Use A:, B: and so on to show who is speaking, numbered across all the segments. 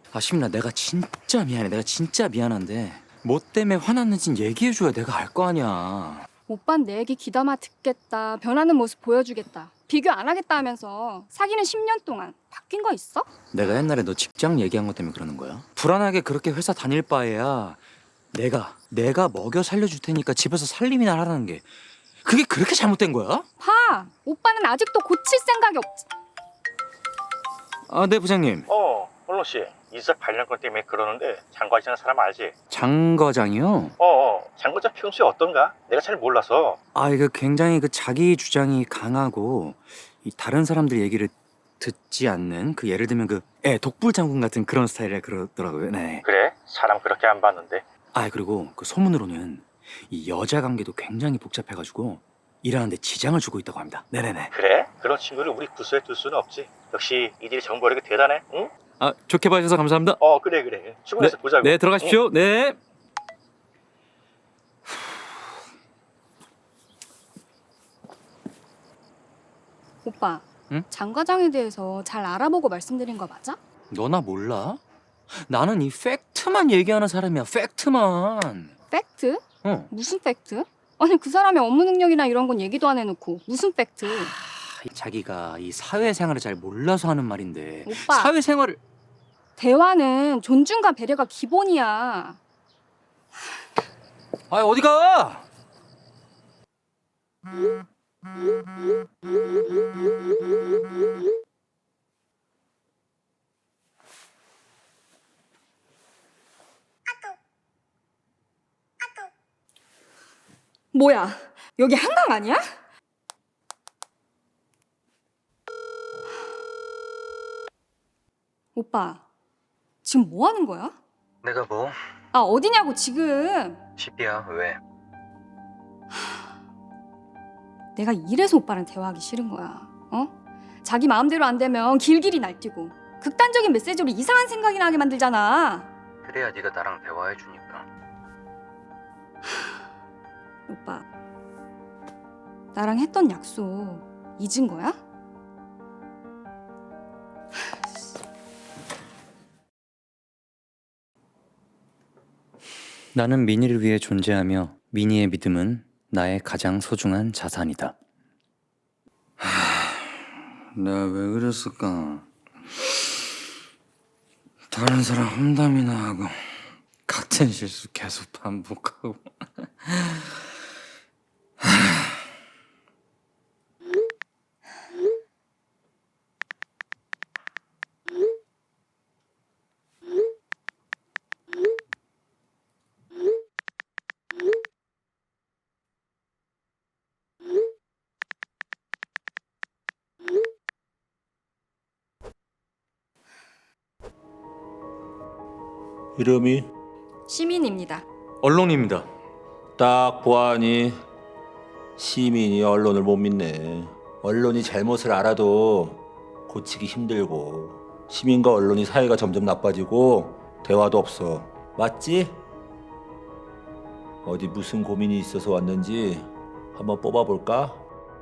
A: 시민아, 내가 진짜 미안해. 내가 진짜 미안한데 뭐 때문에 화났는진 얘기해줘야 내가 알 거 아니야.
B: 오빤 내 얘기 귀담아 듣겠다. 변하는 모습 보여주겠다. 비교 안 하겠다 하면서 사귀는 10년 동안 바뀐 거 있어?
A: 내가 옛날에 너 직장 얘기한 것 때문에 그러는 거야? 불안하게 그렇게 회사 다닐 바에야 내가 먹여 살려줄 테니까 집에서 살림이나 하라는 게 그게 그렇게 잘못된 거야?
B: 봐! 오빠는 아직도 고칠 생각이 없지.
A: 네 부장님.
C: 언론 씨. 이사 관련권 때문에 그러는데 장 과장이라는 사람 알지?
A: 장 과장이요?
C: 장 과장 평소에 어떤가? 내가 잘 몰라서.
A: 이거 굉장히 자기 주장이 강하고 이 다른 사람들 얘기를 듣지 않는 예를 들면 독불 장군 같은 그런 스타일이라 그러더라고요. 네.
C: 그래? 사람 그렇게 안 봤는데.
A: 그리고 소문으로는 이 여자 관계도 굉장히 복잡해가지고 일하는데 지장을 주고 있다고 합니다. 네네네.
C: 그래? 그런 친구를 우리 부서에 둘 수는 없지. 역시 이들이 정보력이 대단해. 응?
A: 좋게 봐주셔서 감사합니다.
C: 그래. 출근해서 보자고.
A: 네, 들어가십시오.
C: 응?
A: 네.
B: 오빠,
A: 응?
B: 장 과장에 대해서 잘 알아보고 말씀드린 거 맞아?
A: 너나 몰라? 나는 이 팩트만 얘기하는 사람이야. 팩트만.
B: 팩트?
A: 어.
B: 무슨 팩트? 아니 그 사람의 업무 능력이나 이런 건 얘기도 안 해놓고 무슨 팩트?
A: 자기가 이 사회생활을 잘 몰라서 하는 말인데.
B: 오빠.
A: 사회생활을.
B: 대화는 존중과 배려가 기본이야.
A: 어디 가?
B: 뭐야? 여기 한강 아니야? 오빠, 지금 뭐 하는 거야?
A: 내가 뭐?
B: 어디냐고 지금.
A: 집이야. 왜?
B: 내가 이래서 오빠랑 대화하기 싫은 거야. 자기 마음대로 안 되면 길길이 날뛰고 극단적인 메시지로 이상한 생각이 나게 만들잖아.
A: 그래야 네가 나랑 대화해 주니까.
B: 오빠, 나랑 했던 약속 잊은 거야?
A: 나는 미니를 위해 존재하며 미니의 믿음은 나의 가장 소중한 자산이다. 내가 왜 그랬을까? 다른 사람 험담이나 하고 같은 실수 계속 반복하고.
D: 이름이?
B: 시민입니다.
A: 언론입니다.
D: 딱 보아하니 시민이 언론을 못 믿네. 언론이 잘못을 알아도 고치기 힘들고 시민과 언론이 사이가 점점 나빠지고 대화도 없어. 맞지? 어디 무슨 고민이 있어서 왔는지 한번 뽑아볼까?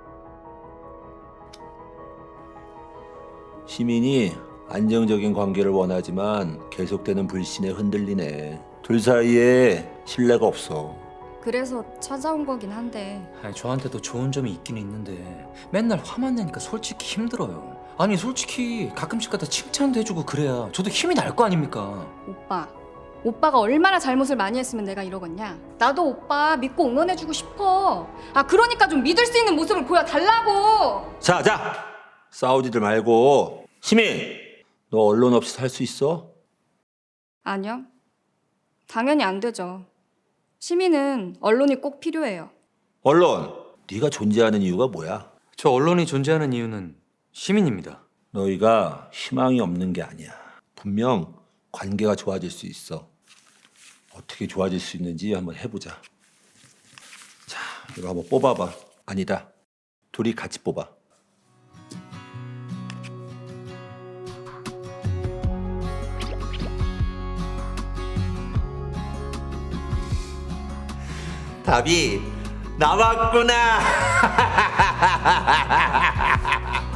D: 시민이 안정적인 관계를 원하지만 계속되는 불신에 흔들리네. 둘 사이에 신뢰가 없어.
B: 그래서 찾아온 거긴 한데
A: 저한테도 좋은 점이 있긴 있는데 맨날 화만 내니까 솔직히 힘들어요. 솔직히 가끔씩 가다 칭찬도 해주고 그래야 저도 힘이 날 거 아닙니까?
B: 오빠가 얼마나 잘못을 많이 했으면 내가 이러겠냐? 나도 오빠 믿고 응원해주고 싶어. 그러니까 좀 믿을 수 있는 모습을 보여달라고.
D: 자, 싸우지들 말고. 시민, 너 언론 없이 살 수 있어?
B: 아니요. 당연히 안 되죠. 시민은 언론이 꼭 필요해요.
D: 언론, 네가 존재하는 이유가 뭐야?
A: 저 언론이 존재하는 이유는 시민입니다.
D: 너희가 희망이 없는 게 아니야. 분명 관계가 좋아질 수 있어. 어떻게 좋아질 수 있는지 한번 해보자. 자, 이거 한번 뽑아봐. 아니다, 둘이 같이 뽑아. 답이 나왔구나.